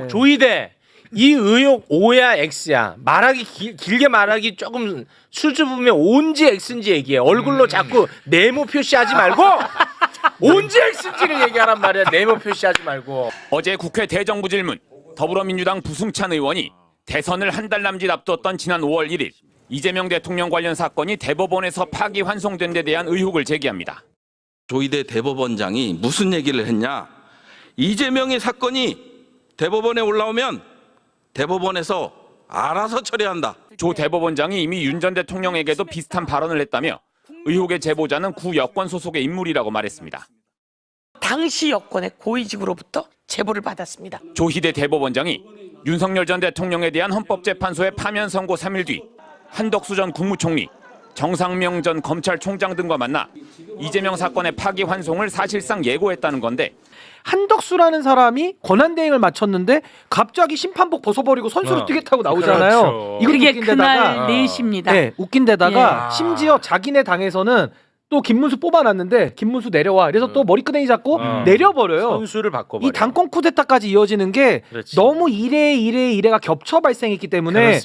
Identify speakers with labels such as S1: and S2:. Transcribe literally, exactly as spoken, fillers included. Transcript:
S1: 네.
S2: 조이대 이 의혹 O야 X야 말하기 길, 길게 말하기 조금 수줍으면 O인지 X인지 얘기해. 얼굴로
S3: 음.
S2: 자꾸 네모 표시하지 말고 O인지 X인지를 얘기하란 말이야. 네모 표시하지 말고.
S4: 어제 국회 대정부질문 더불어민주당 부승찬 의원이 대선을 한 달 남짓 앞두었던 지난 오월 일일 이재명 대통령 관련 사건이 대법원에서 파기환송된 데 대한 의혹을 제기합니다.
S5: 조이대 대법원장이 무슨 얘기를 했냐? 이재명의 사건이 대법원에 올라오면 대법원에서 알아서 처리한다.
S4: 조 대법원장이 이미 윤 전 대통령에게도 비슷한 발언을 했다며 의혹의 제보자는 구 여권 소속의 인물이라고 말했습니다.
S6: 당시 여권의 고위직으로부터 제보를 받았습니다.
S4: 조희대 대법원장이 윤석열 전 대통령에 대한 헌법재판소의 파면 선고 삼 일 뒤 한덕수 전 국무총리, 정상명 전 검찰총장 등과 만나 이재명 사건의 파기환송을 사실상 예고했다는 건데
S1: 한덕수라는 사람이 권한대행을 마쳤는데 갑자기 심판복 벗어버리고 선수를
S2: 어.
S1: 뛰겠다고 나오잖아요.
S2: 그렇죠.
S1: 이건
S7: 그게
S1: 웃긴 데다가
S7: 그날 네 시입니다.
S1: 네, 웃긴 데다가
S2: 예.
S1: 심지어 자기네 당에서는 또 김문수 뽑아놨는데 김문수 내려와. 그래서 또 머리끄댕이 잡고
S2: 어.
S1: 내려버려요.
S2: 선수를 바꿔버려.
S1: 이 당권 쿠데타까지 이어지는 게
S2: 그렇지.
S1: 너무 이래 이래 이래가 겹쳐 발생했기 때문에
S2: 그렇습니다.